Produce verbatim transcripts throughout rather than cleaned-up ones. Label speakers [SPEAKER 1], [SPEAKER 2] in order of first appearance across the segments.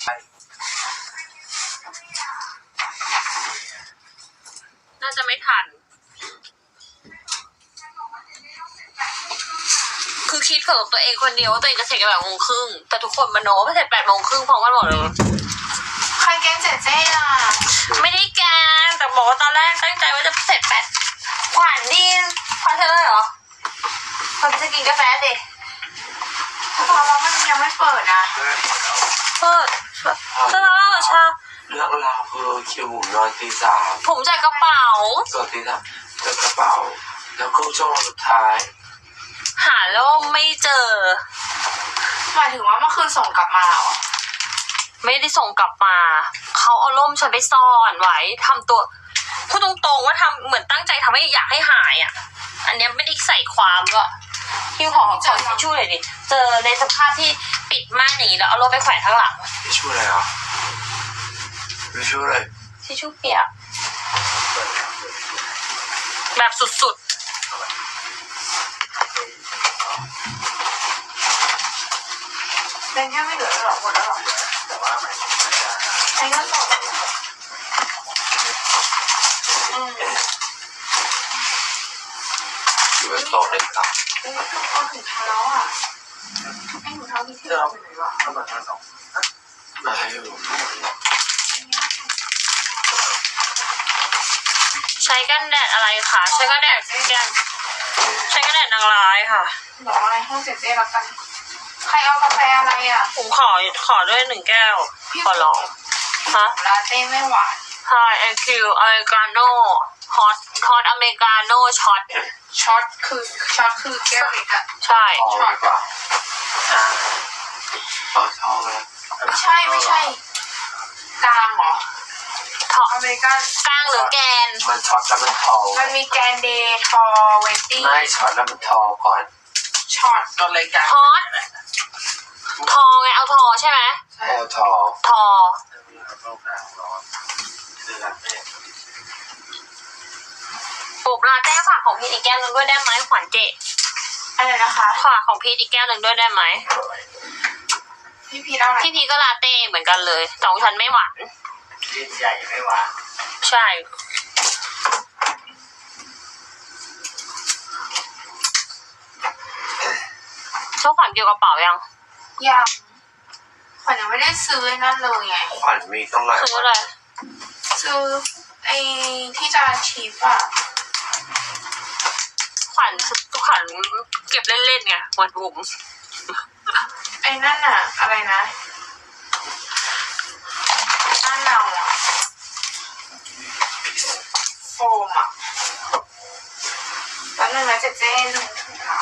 [SPEAKER 1] น่าจะไม่ทันคือคิดเผื่อตัวเองคนเดียวว่าตัวเองจะเสร็จกันแบบโมงครึ่งแต่ทุกคนมาโน้ว่าเสร็จแปดโมงครึ่งพร้อมกันหมดเลย
[SPEAKER 2] ใครแกล้งเจ๊เจ๊ล่ะ
[SPEAKER 1] ไม่ได้แกล้งแต่บอกว่าตอนแรกตั้งใจว่าจะเสร็จแปดขวัญดีพอเธอเลยเหรอพอจะกินกาแฟสิ
[SPEAKER 2] เพราะว่ามันยังไม่เปิดนะ
[SPEAKER 1] เปิดเสื้อผ้าชา
[SPEAKER 3] เรื่องราวคือคิวผมนอนตีสาม
[SPEAKER 1] ผมใส่กระเป๋า
[SPEAKER 3] ส่วนตีสามเจอกระเป๋าแล้วก็ช่วงสุดท้าย
[SPEAKER 1] หาล่มไม่เจอ
[SPEAKER 2] หมายถึงว่าเมื่อคืนส่งกลับมาเหรอ
[SPEAKER 1] ไม่ได้ส่งกลับมาเขาเอาล่มฉันไปซ่อนไว้ทำตัวพูดตรงๆว่าทำเหมือนตั้งใจทำให้อยากให้หายอ่ะอันนี้ไม่ได้ใส่ความก็พี่ขอขอทิชชู่หน่อยดิเจอในสภาพที่ปิดม่านอย่างนี้แล้วเอาล่มไปแขวนข้างหลัง
[SPEAKER 3] ทิชชู่อะไรอ่ะทิชชู่อะไร
[SPEAKER 1] ทิชชู่เปียกแบบสุดๆ
[SPEAKER 2] เป็นแค่ไม่เหลือหรอกหมดแล้วหรอแต่ว่าไม่ใช้ก็ตกอืม
[SPEAKER 3] อยู่บนโต๊ะเลยครับ
[SPEAKER 2] เอ้ยเอาถุงเท้าอ่ะไอ้ถุงเท้าที่ที่เราไปไหนวะเอาแบบมาสอง
[SPEAKER 3] มาให้ดู
[SPEAKER 1] ใช้กันแดดอะไรคะใช้กันแดดแกนใช้กันแดดนางร้ายค่ะ
[SPEAKER 2] บอกอะไรห้องเจ๊เจ๊แล้วกันใครเอากาแฟอะไรอ่ะ
[SPEAKER 1] ผมขอขอด้วยหนึ่งแก้วขอลองฮะ
[SPEAKER 2] ลาเต้ไม่หวาน
[SPEAKER 1] ใช่แอนคิวอเมริกาโน่ฮอตฮอตอเมริกาโน่ช็อต
[SPEAKER 2] ช็อตคือช็อตคือแก้วเล็กอ่ะ
[SPEAKER 1] ใช่
[SPEAKER 2] ช็อตก่อน
[SPEAKER 3] อ่าต่อท้องเลย
[SPEAKER 2] ไม่ใช่ไม่ใช่กลางเหรอ
[SPEAKER 1] ทอ
[SPEAKER 2] อเมริกัน
[SPEAKER 1] กลางหรือแกน
[SPEAKER 3] มันช็อตแล้วมันทอ
[SPEAKER 2] มันมีแกนเดย์ทอเวตี้
[SPEAKER 3] ไม่ช็อตแล้วมันทอก่อน
[SPEAKER 2] ช็อตก็เลยกัน
[SPEAKER 1] ฮอตทอไงเอาทอใช่ไหม
[SPEAKER 3] โอ้ทอ
[SPEAKER 1] ทอปุบลาเต้ฝากของพีทอีกแก้วหนึ่งด้วยได้ไหมขวัญเจ
[SPEAKER 2] อะไรนะคะ
[SPEAKER 1] ฝากของพีทอีกแก้วหนึ่งด้วยได้ไหม
[SPEAKER 2] พี่พีทเอาอะไร
[SPEAKER 1] พี่พีทก็ลาเต้เหมือนกันเลยแต่ของฉันไม่หวาน
[SPEAKER 3] พี่ใหญ่ไม่หวาน
[SPEAKER 1] ใช่ชอบขวัญเกี่ยวกับกระเป๋ายัง
[SPEAKER 2] ยังขวัญยังไม่ได้ซื้อนั่นเลยไง
[SPEAKER 3] ขวัญมีต้องไหน
[SPEAKER 1] ซื้ออะไร
[SPEAKER 2] ซื้อไอ้ที่จะชีฟอะ
[SPEAKER 1] ขวัญขวัญเก็บเล่นๆไงเหมือนบุ๋ม
[SPEAKER 2] ไอ้นั่นอะอะไรนะนั่นเราอะโฟมอะแล้วนึงนะเจ๊เจ๊หนึ่งถุงเท้า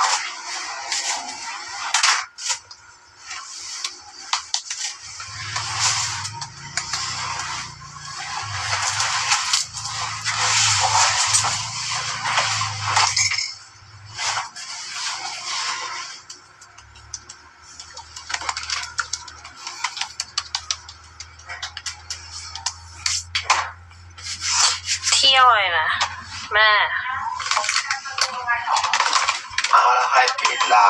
[SPEAKER 1] เที่ยวเลยนะแม่
[SPEAKER 3] เอาแล้วใครปิดล่ะ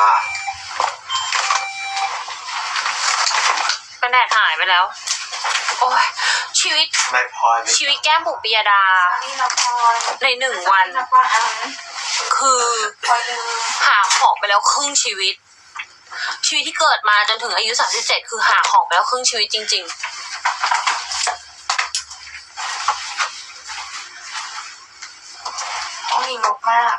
[SPEAKER 1] กันแดดหายไปแล้วโอ้ยชีวิต
[SPEAKER 3] ไม่พอ
[SPEAKER 1] ชีวิตแก้มบุ๋มปิยดาในหนึ่งวันคือหาของไปแล้วครึ่งชีวิตชีวิตที่เกิดมาจนถึงอายุสามสิบเจ็ดคือหาของไปแล้วครึ่งชีวิตจริงๆ
[SPEAKER 2] ต้องมีงบมาก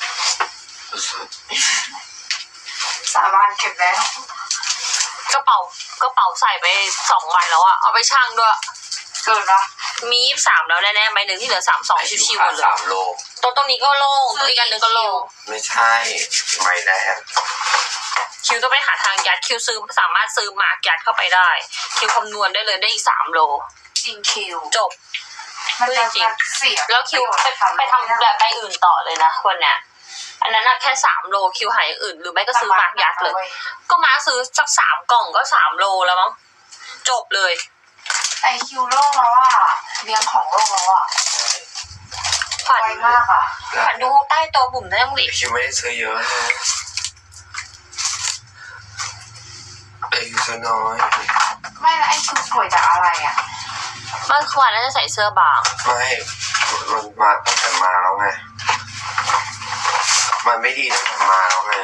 [SPEAKER 2] สาบานเก็บแล้ว
[SPEAKER 1] กระเป๋ากระเป๋าใส่ไปสองใบแล้วอะเอาไปชั่งด้วย
[SPEAKER 2] เกินปะ
[SPEAKER 1] มียี่สิบสามแล้วแน่ๆใบหนึ่งที่เหลือสามสองชิวๆหมดเลย
[SPEAKER 3] สามโล
[SPEAKER 1] ตรงตรงนี้ก็โล่งตัวอีกอันหนึ่งก็โล่ง
[SPEAKER 3] ไม่ใช่ไม่แน่
[SPEAKER 1] คิวต้องไปหาทางยัดคิวซื้อสามารถซื้อหมากยัดเข้าไปได้คิวคำนวณได้เลยได้อีกสามโล
[SPEAKER 2] จริงคิว
[SPEAKER 1] จบ
[SPEAKER 2] มันจริง
[SPEAKER 1] แล้วคิวไปไปทำแบบใบอื่นต่อเลยนะวันเนี้ยอันนั้นแค่สามโลคิวหายอื่นหรือไม่ก็ซื้อหมากยัดเลยก็มาซื้อสักสามกล่องก็สามโลแล้วมั้งจบเลย
[SPEAKER 2] ไอคิวโลกแล้วอ่ะเรียงของโลกแล้วอ่ะ
[SPEAKER 1] ขวัญ
[SPEAKER 2] มากอ่ะ
[SPEAKER 1] ขวัญดูใต้โต๊ะบุ๋มได้ยังดิ
[SPEAKER 3] คิวไม่ได้ซื้อเยอะนะอายุจะน้อย
[SPEAKER 2] ไม่ไม่แล้วไอ้คือป่วยจากอะไรอ่ะ
[SPEAKER 1] เมื่อวานน่าจะใส่เสื้อบาง
[SPEAKER 3] ไม่มันมาตั้งแต่มาแล้วไงมันไม่ดีตั้งแต่มาแล้วไง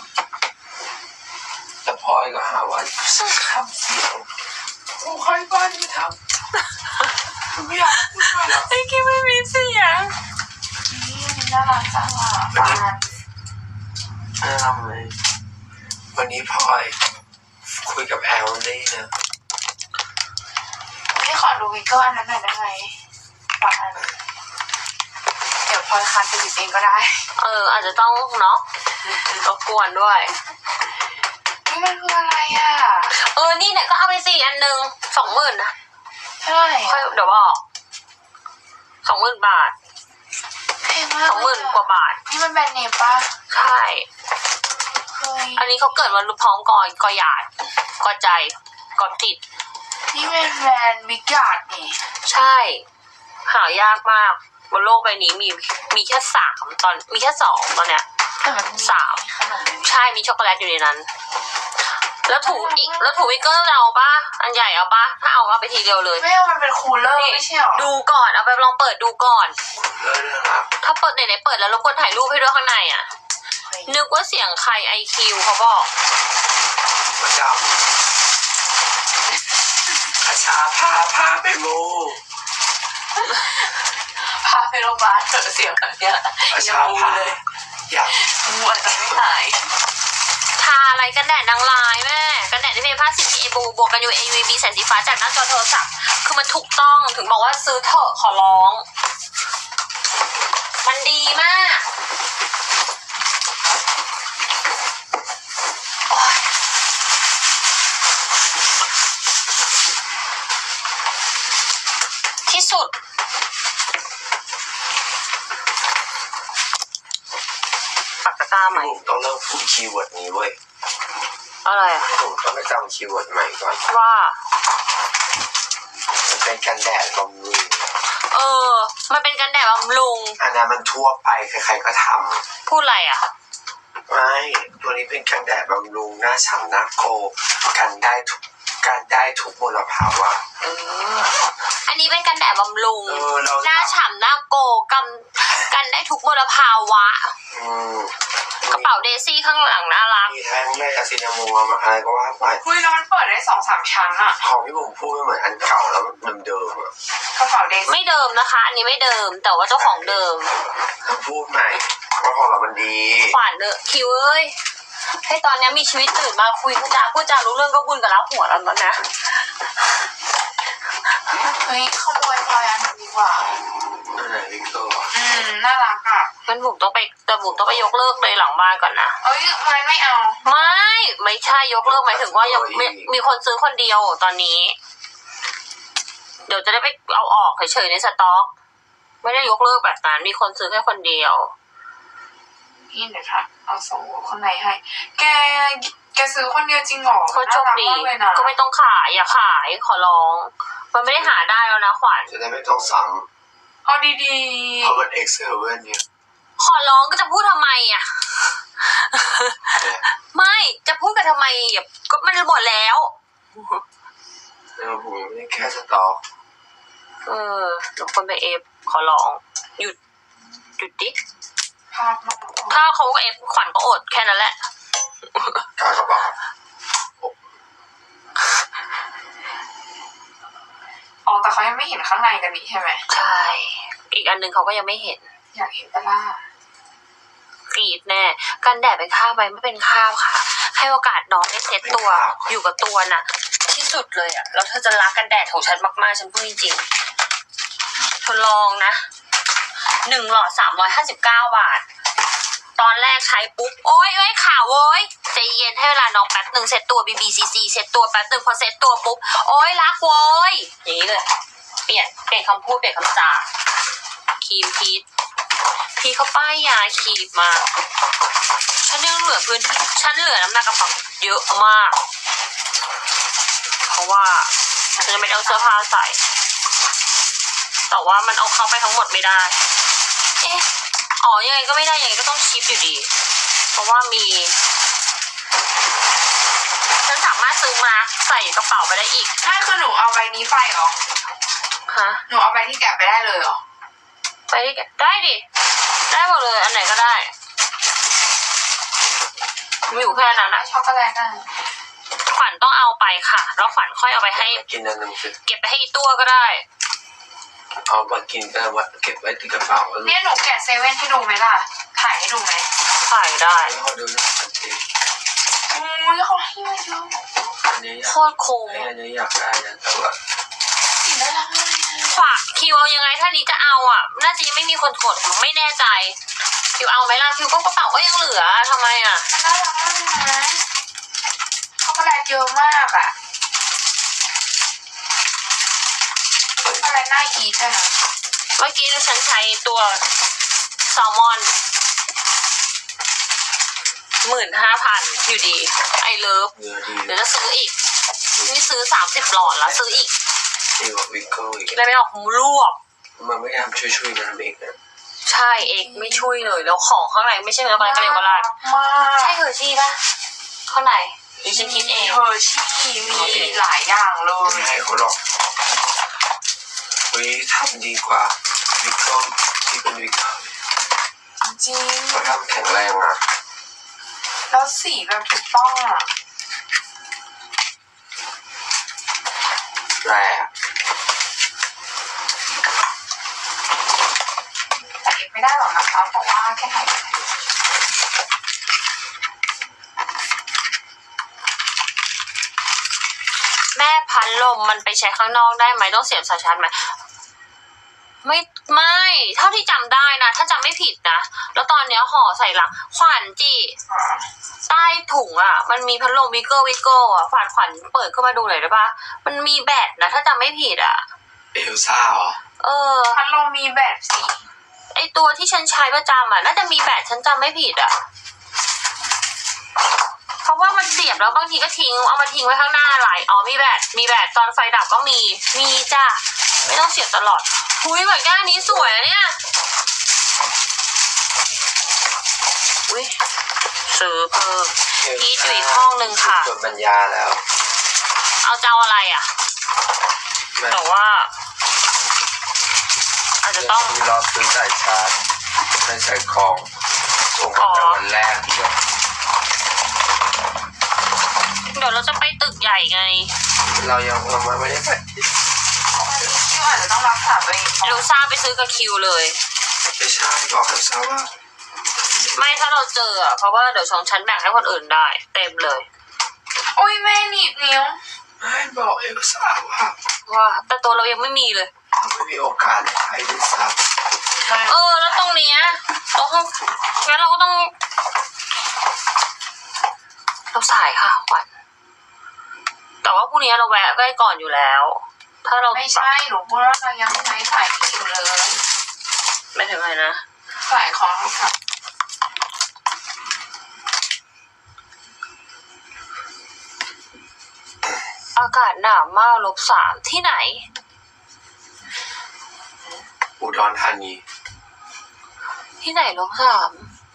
[SPEAKER 3] แต่พลอยก็หาว่าทำเสียงโอ้ใครบ้านไม่ทำไม่อยากพูดมาแล้ว
[SPEAKER 1] ไอ้กิ๊ไม่มีเสียง
[SPEAKER 2] นี่มันน่ารักจังอ่ะบ้าน
[SPEAKER 3] น่ารักเลยวันนี้พลอยคุยกับแอลลี่นะ
[SPEAKER 2] นี่ขอดูวิกเกอร์อันนั้นหน่อยได้ไหมปักอันเดี๋ยวพลอยคันไปหยิบเองก็ได้
[SPEAKER 1] เออ อาจจะต้องเนาะรบกวนด้วย
[SPEAKER 2] นี่มันคืออะไรอ่ะ
[SPEAKER 1] เออ นี่เนี่ยก็เอาไปสี่อันหนึ่งสองหมื่นนะ
[SPEAKER 2] เท่าไหร่
[SPEAKER 1] ค่อยเดี๋ยวบอกสองหมื่นบาท
[SPEAKER 2] แพงมาก
[SPEAKER 1] สองหมื่นกว่าบาท
[SPEAKER 2] นี่มันแบรนด์เนมป่ะ
[SPEAKER 1] ใช่
[SPEAKER 2] เฮ้ย
[SPEAKER 1] อันนี้เขาเกิดวันรุ่พร้อมกอยกอหยาดกอใจกอติด
[SPEAKER 2] นี่เป็นแบรนด์วิกยาดนี่
[SPEAKER 1] ใช่ หายากมากบนโลกใบนี้มีมีแค่สามตอนมีแค่สองตอนเนี้ย
[SPEAKER 2] แต่มัน
[SPEAKER 1] สาม
[SPEAKER 2] ขนมเลย
[SPEAKER 1] ใช่มีช็อกโกแลตอยู่ในนั้น แล้วถูอีกแล้วถูวิกเกอร์เราปะอันใหญ่เอาปะถ้าเอาเอาไปทีเดียวเลย
[SPEAKER 2] ไม่เอามันเป็นคูลเลอร์ไม่ใช่หรอ
[SPEAKER 1] ดูก่อนเอาไปลองเปิดดูก่อน
[SPEAKER 3] เลยนะครับ
[SPEAKER 1] ถ้าเปิดไหนๆเปิดแล้วรบกวนถ่ายรูปให้ด้วยข้างในอ่ะ นึกว่าเสียงใครไอคิวเขาบอก
[SPEAKER 3] ประจำอาชาพาพาไปมู
[SPEAKER 2] พาไปโรงพยาบาลเถอะเสียงแบบเนี้ย
[SPEAKER 3] อา
[SPEAKER 2] อย่า
[SPEAKER 3] ชา
[SPEAKER 2] มู
[SPEAKER 3] พา
[SPEAKER 2] เลย
[SPEAKER 3] อยาก
[SPEAKER 2] มูอาจจะไม่หาย
[SPEAKER 1] ทาอะไรกันแดดนางลายแม่กันแดดที่เป็นผ้าสีเอบูบวกกันยู เอ ยู วี แสงสีฟ้าจากหน้าจอโทรศัพท์คือมันถูกต้องถึงบอกว่าซื้อเถอะขอร้อง มันดีมากโอ๊ยที่สุดปากกาตาใหม่
[SPEAKER 3] ผมต้องเริ่มพูดคีย์เวิร์ดนี้เว้ย
[SPEAKER 1] อะไรอะ
[SPEAKER 3] ผมต้องไปจำคีย์เวิร์ดใหม่ก่อน
[SPEAKER 1] ว่า
[SPEAKER 3] มันเป็นกันแดดบำรุง
[SPEAKER 1] เออ มันเป็นกันแดดบำรุง
[SPEAKER 3] อันนั้นมันทั่วไปใครๆก็ท
[SPEAKER 1] พูดอะไรอ่ะ
[SPEAKER 3] ำไม่ตัวนี้เป็นกันแดดบำรุงหน้าฉ่ำหน้าโกกันได้ทุกกันได้ทุกมลภาวะ
[SPEAKER 1] เออ อันนี้เป็นกันแดดบำรุง
[SPEAKER 3] เออเรา
[SPEAKER 1] หน้าฉ่ำหน้าโกกันกันได้ทุกมลภาวะ
[SPEAKER 3] อืม
[SPEAKER 1] กระเป๋าเดซี่ข้างหลังน่ารัก
[SPEAKER 3] มีทั้งแม่อะซินาโมมาอะไรก็ว่าไป
[SPEAKER 2] คุยแล้วมันเปิดได้สองสามชั้นอะ
[SPEAKER 3] ของที่ผมพูดไม่เหมือนอันเก่าแล้วมันเดิมๆอ่ะ
[SPEAKER 2] กระเป๋าเดซี่
[SPEAKER 1] ไม่เดิมนะคะ อันนี้ไม่เดิม แต่ว่าเจ้าของเดิม
[SPEAKER 3] ต้องพูดใหม่ว่าของเรามันดี
[SPEAKER 1] ขวานเดอะคิวเอ้ย ให้ตอนนี้มีชีวิตตื่นมาคุยพูดจาพูดจารู้เรื่องก็บุญกับแล้วหัวแล้วนะ
[SPEAKER 2] เฮ้ยขโมยพลอยอันนี้ดีกว่า
[SPEAKER 3] นั่นแหละวิกเตอร์
[SPEAKER 2] อืมน่ารักอ่ะ
[SPEAKER 1] มันบุกต้องไปแต่บุกต้องไปยกเลิกเลยหลังบ้านก่อนนะ
[SPEAKER 2] เอ้ยมันไม่เอา
[SPEAKER 1] ไม่ ไม่ใช่ยกเลิกหมายถึงว่ายังมีมีคนซื้อคนเดียวตอนนี้ เดี๋ยวจะได้ไปเอาออกเฉยๆในสต็อก ไม่ได้ยกเลิกแบบนั้นมีคนซื้อแค่คนเดียว
[SPEAKER 2] นี่เดี๋ยวค่ะเอาส่งคนไหนให้ แกแกซื้อคนเดียวจริงเหรอ
[SPEAKER 1] ก็โชคดี
[SPEAKER 2] น่ารักมากเลยนะ
[SPEAKER 1] ก็ไม่ต้องขายอย่าขายขอร้อง มันไม่ได้หาได้แล้วนะขวัญ
[SPEAKER 3] จะได้ไม่ต้องซ้
[SPEAKER 2] เอาดี
[SPEAKER 3] ำเพราะมันเอ็กเซเว่นเนี่ย
[SPEAKER 1] ขอร้องก็จะพูดทำไมอ่ะ ไม่จะพูดกันทำไมอ่ะก็มันหมดแล้ว
[SPEAKER 3] แล้วผมยังไม่ได้แค่สต็อก
[SPEAKER 1] เออทุกคนไปเอฟขอร้องหยุดหยุดดิ
[SPEAKER 2] ๆภาพมาก
[SPEAKER 1] ถ้าเขาก็เอฟขวัญก็อดแค่นั้นแหละ
[SPEAKER 3] กากระบาด
[SPEAKER 2] อ๋อแต่เขายังไม่เห็นข้างในกันนี่ใช่ไหม
[SPEAKER 1] ใช่ อีกอันหนึ่งเขาก็ยังไม่เห็น
[SPEAKER 2] อยากเห็นปะล่ะ
[SPEAKER 1] กรีดแน่กันแดดเป็นข้าวไหมไม่เป็นข้าวค่ะ ให้โอกาสน้องได้เซ็ตตัวอยู่กับตัวน่ะ ที่สุดเลยอ่ะแล้วเธอจะรักกันแดดของฉันมากๆฉันพูดจริงๆเธอลองนะหนึ่งหลอดสามร้อยห้าสิบเก้าบาท ตอนแรกใช้ปุ๊บโอ๊ยเอ้ยข่าวเว้ยใจเย็นให้เวลาน้องแป๊บหนึ่งเซ็ตตัว บี บี ซี ซี เซ็ตตัวแป๊บหนึ่งพอเซ็ตตัวปุ๊บโอ๊ยรักเว้ยอย่างนี้เลยเปลี่ยนเปลี่ยนคำพูดเปลี่ยนคำจาครีมพีทพี่เขาป้ายยาขีดมาฉันยังเหลือพื้นที่ฉันเหลือน้ำหนักกระเป๋าเยอะมากเพราะว่าฉันจะไม่ได้เอาเสื้อผ้าใส่แต่ว่ามันเอาเข้าไปทั้งหมดไม่ได้เอ๊ะอ๋อยังไงก็ไม่ได้ยังไงก็ต้องชิปอยู่ดีเพราะว่ามีฉันสามารถซื้อซื้อมาใส่กระเป๋าไปได้อีก
[SPEAKER 2] ถ้าคือหนูเอาใบนี้ไปเหรอ
[SPEAKER 1] ฮะ
[SPEAKER 2] หนูเอาใบที่แกะไปได้เลยเหรอ
[SPEAKER 1] ไปที่แกได้ดิได้หมดเลยอันไหนก็ได้มีอยู่แค่นั้นนะ
[SPEAKER 2] ช็อกโกแลตอ่ะ
[SPEAKER 1] ขวัญต้องเอาไปค่ะแล้วขวัญค่อยเอาไปให้
[SPEAKER 3] กินอันหนึงสิ
[SPEAKER 1] เก็บไปให้อีตัวก็ได้
[SPEAKER 3] เอามากินก็ว่าเก็บไว้ที่กระเป๋าแล้ว
[SPEAKER 2] เนี่ยหนูแกะเซเว่นให้ดูไหมล่ะ ถ่ายให้ดูไหม
[SPEAKER 1] ขายได้
[SPEAKER 3] เขาดูนะอันนี้
[SPEAKER 2] อุ้ยเขาให้มาเยอะ
[SPEAKER 3] อันนี้อยา
[SPEAKER 1] โค
[SPEAKER 3] ก
[SPEAKER 1] ตรคุ้ม
[SPEAKER 3] อันนี้อยากได้นะแต่ว่า
[SPEAKER 2] สีน่ารักมากเลยนะ
[SPEAKER 1] ฝากคิวเอายังไงถ้านี้จะเอาอ่ะน่าจะยังไม่มีคนกดไม่แน่ใจคิวเอาไหมล่ะคิวก็กระเป๋าก็ยังเหลือทำไมอ่ะ
[SPEAKER 2] มันน่ารักมากเลยนะช็อกโกแลตเยอะมากอ่ะช็อกโกแลตน่าอีทเลยนะ
[SPEAKER 1] เมื่อกี้ฉันใช้ตัวแซลมอนหมื่นห้าพันอยู่ดีไอเลิฟ
[SPEAKER 3] เนื้อดี
[SPEAKER 1] เดี๋ยวจะซื้ออีกนี่ซื้อสามสิบหลอดแล้วซื้ออีก
[SPEAKER 3] ดีกว่าวิกเกิลอีก
[SPEAKER 1] กินอะไรไม่ออกหูรวบ
[SPEAKER 3] มันไม่ทำช่วยๆนะเบกนะ
[SPEAKER 1] ใช่เอกไม่ช่วยเลยแล้วของข้างในไม่ใช่แล้วก็กระเดียวกระลาด
[SPEAKER 2] มาก
[SPEAKER 1] ใช่เฮอร์ชี่ปะข้างในดิฉันคิดเอง
[SPEAKER 2] เฮอร์ชี่มีหลายอย่างเล
[SPEAKER 3] ไม่
[SPEAKER 2] ย
[SPEAKER 3] ให้เขาหรอกวิทำดีกว่าวิกเกิลที่เป็นวิกเกิล
[SPEAKER 2] จริง
[SPEAKER 3] เขาทำแข็งแรงอ่ะ
[SPEAKER 2] แล้วสีแบบถูกต้องอ่ะ
[SPEAKER 3] แรง
[SPEAKER 2] แต่เก็บไม่ได้หรอกนะคะเพราะว่าแค่ถ่าย
[SPEAKER 1] แม่พัดลมมันไปใช้ข้างนอกได้ไหมต้องเสียบสายชาร์จไหมไม่ไม่เท่าที่จำได้นะถ้าจำไม่ผิดนะแล้วตอนเนี้ยห่อใส่หลังขวัญจีใต้ถุงอ่ะมันมีพัดลมวิกเกอร์วิกเกอร์อ่ะขวัญขวัญเปิดขึ้นมาดูหน่อยได้ปะมันมีแบตนะถ้าจำไม่ผิดอ่ะ
[SPEAKER 3] เอลซ่าเหรอ
[SPEAKER 1] เออ
[SPEAKER 2] พัดลมมีแบบสี
[SPEAKER 1] ไอตัวที่ฉันใช้ประจำอ่ะน่าจะมีแบตฉันจำไม่ผิดอ่ะเพราะว่ามันเสียบแล้วบางทีก็ทิ้งเอามาทิ้งไว้ข้างหน้าไหลอ๋อมีแบตมีแบตตอนไฟดับก็มีมีจ้ะไม่ต้องเสียบตลอดหุยแบบแก้วนี้สวยอะเนี่ยอุ้ยซื้อเพิ่ม พีชอยู่อีกห้องนึงค่ะ
[SPEAKER 3] จดปัญญาแล้ว
[SPEAKER 1] เอาเจ้าอะไรอ่ะ
[SPEAKER 3] แม่
[SPEAKER 1] แต่ว่า อาจจะต้อง
[SPEAKER 3] มีรอบซื้อสายชาร์จไม่ใส่ของส่งกันแต่วันแรกเดียว
[SPEAKER 1] เดี๋ยวเราจะไปตึกใหญ่ไง
[SPEAKER 3] เรายังเราไม่ได้ไป
[SPEAKER 2] ที่อาจจะต้องรักษาตัวเอง
[SPEAKER 1] ลูซ่าไปซื้อกับคิวเลย
[SPEAKER 3] ไม่ใช่บอกเอลซ่าว่า
[SPEAKER 1] ไม่ถ้าเราเจออ่ะเพราะว่าเดี๋ยวของฉันแบ่งให้คนอื่นได้ เต็มเลย
[SPEAKER 2] โอ้ยแม่หนีบนิ้ว
[SPEAKER 3] ไม่บอกเอลซ่าว่า
[SPEAKER 1] ว่าแต่ตัวเรายังไม่มีเลย
[SPEAKER 3] ไม่มีโอกาสไปด้วยซ้
[SPEAKER 1] เออ แล้วตรงเนี้ยตรงห้องงั้นเราก็ต้อง เราสายค่ะขวัญแต่ว่าพรุ่งนี้เราแวะใกล้ก่อนอยู่แล้ว ถ้าเรา
[SPEAKER 2] ไม่ใช่หนูพูดว่าเรายังใช้สายนี้อยู่เลย
[SPEAKER 1] ไม่ถึงไรนะ
[SPEAKER 2] สายของค่ะ
[SPEAKER 1] อากาศหนาวมากลบสามที่ไหน
[SPEAKER 3] ำอุดรธานี
[SPEAKER 1] ที่ไหนลบสาม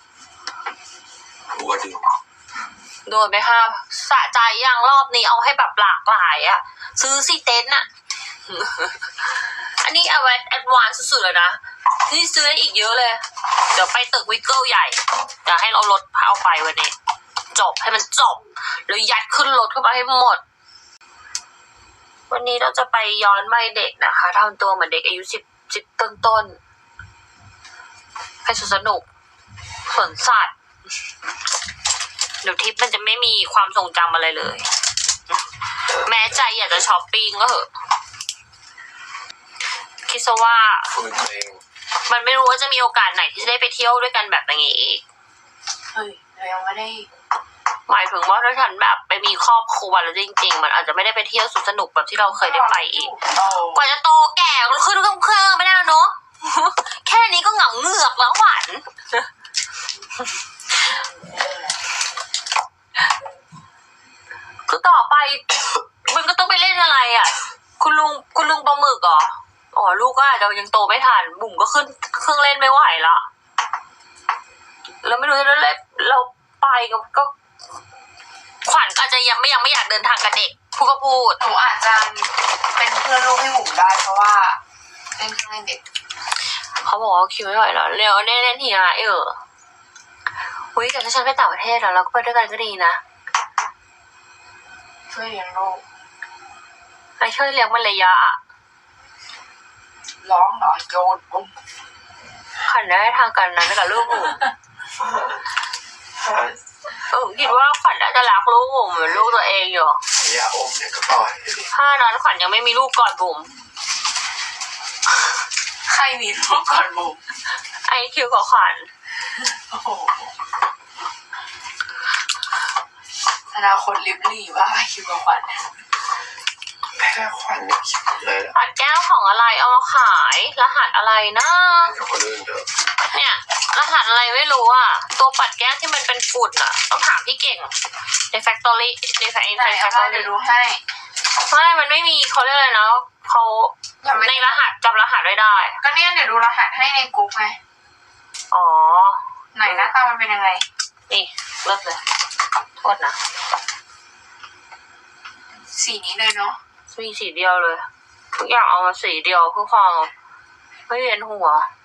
[SPEAKER 3] หัวดึง
[SPEAKER 1] โดนไปห้าสะใจยังรอบนี้เอาให้แบบหลากหลายอะซื้อสิเต็นท์อะ อันนี้เอาไว้แอดวานซ์สุดๆเลยนะนี่ซื้อได้อีกเยอะเลย เดี๋ยวไปตึกวิกเกิลใหญ่เดี๋ยวให้เรารถเอาไปวันนี้ จบให้มันจบแล้วยัดขึ้นรถเข้าไปให้หมด วันนี้เราจะไปย้อนวัยเด็กนะคะทำตัวเหมือนเด็กอายุสิบสิบต้นๆให้สนุกสวนสัตว์เดี๋ยวทริปมันจะไม่มีความทรงจำอะไรเลย แม้ใจอยากจะช้อปปิ้งก็เหอะคิดซะว่า
[SPEAKER 3] ฟื้นตัวเอง
[SPEAKER 1] มันไม่รู้ว่าจะมีโอกาสไหนที่จะได้ไปเที่ยวด้วยกันแบบอย่างนี้อีก
[SPEAKER 2] เฮ้ยเรายังไม่ได้
[SPEAKER 1] หมายถึงว่าถ้าฉันแบบไปมีครอบครัวแล้วจริงๆมันอาจจะไม่ได้ไปเที่ยวสุดสนุกแบบที่เราเคยได้ไปอีก กว่าจะโตแก่ก็ขึ้นเครื่องเครื่องไม่ได้แล้วเนาะ แค่นี้ก็เหงาเหงือกแล้วหวาน คือต่อไป มันก็ต้องไปเล่นอะไรอ่ะ คุณลุงคุณลุงปลาหมึกเหรออ๋อลูกก็อาจจะยังโตไม่ทันบุ๋มก็ขึ้นเครื่องเล่นไม่ไหวละแล้วไม่รู้จะเล่นเราไปก็ก็ขวัญอาจจะยังไม่ยังไม่อยากเดินทางกับเด็กพูดก็พูด
[SPEAKER 2] หนูอาจจะเป็นเพื่อนลูกให้หมูได้เพราะว่าเล่นเครื่องเล่นเด็ก
[SPEAKER 1] เขาบอกว่าคิวไม่ไหวแล้วเร็วเล่นเล่นทีนะเอออุ้ยแต่ถ้าฉันไปต่างประเทศแล้วเราก็ไปด้วยกันก็ดีนะ
[SPEAKER 2] ช่วยเลี้ยงลูก
[SPEAKER 1] ไอ้ช่วยเลี้ยงมันระยะอะ
[SPEAKER 2] ร้องเหรอโยนปุ๊บ
[SPEAKER 1] ขวัญได้ทางกันนั้นกับลูกหมูเออคิดว่าขวัญน่าจะรักลูกหมูเหมือนลูกตัวเองอยู่
[SPEAKER 3] อย่าอมเนี่ยก็ปล่อยดิ
[SPEAKER 1] ถ้านั้นขวัญยังไม่มีลูกก่อนบุ๋ม
[SPEAKER 2] ใครมีลูกก่อนบุ๋ม
[SPEAKER 1] ไอคิวกับขวัญ
[SPEAKER 2] โอ้โหอนาคตลิบลี่ว่าคิวกับขวัญ
[SPEAKER 3] แพ้ควันเนี่ยคิดเลยละ
[SPEAKER 1] ขวัญแก้วของอะไรเอามาขายรหัสอะไรนะ
[SPEAKER 3] เดี๋ยวคนอื่นเถอะ
[SPEAKER 1] เนี่ยรหัสอะไรไม่รู้อ่ะตัวปัดแก้วที่มันเป็นฝุ่นอ่ะต้องถามพี่เก่งในแฟคทอรี่ในแฟค
[SPEAKER 2] ไหน
[SPEAKER 1] ในแฟ
[SPEAKER 2] เอา
[SPEAKER 1] คท
[SPEAKER 2] มา
[SPEAKER 1] อ
[SPEAKER 2] เดี๋ยว
[SPEAKER 1] รี่
[SPEAKER 2] ดูให้
[SPEAKER 1] ไม่มันไม่มีเขาเรียกอะไรนะเขา
[SPEAKER 2] ยังไม่
[SPEAKER 1] ในรหัสจำรหัสไม่ได้
[SPEAKER 2] ก็เนี่ยเดี๋ยวดูรหัสให้ในกรุ๊ปไง
[SPEAKER 1] อ๋อ
[SPEAKER 2] ไหนหน้าตามันเป็นยังไง
[SPEAKER 1] นี่เลิกเลยโทษนะ
[SPEAKER 2] สีนี้เลยเนาะ
[SPEAKER 1] มีสีเดียวเลย ทุกอย่างเอามาสีเดียวเพื่อความไม่เวียนหัว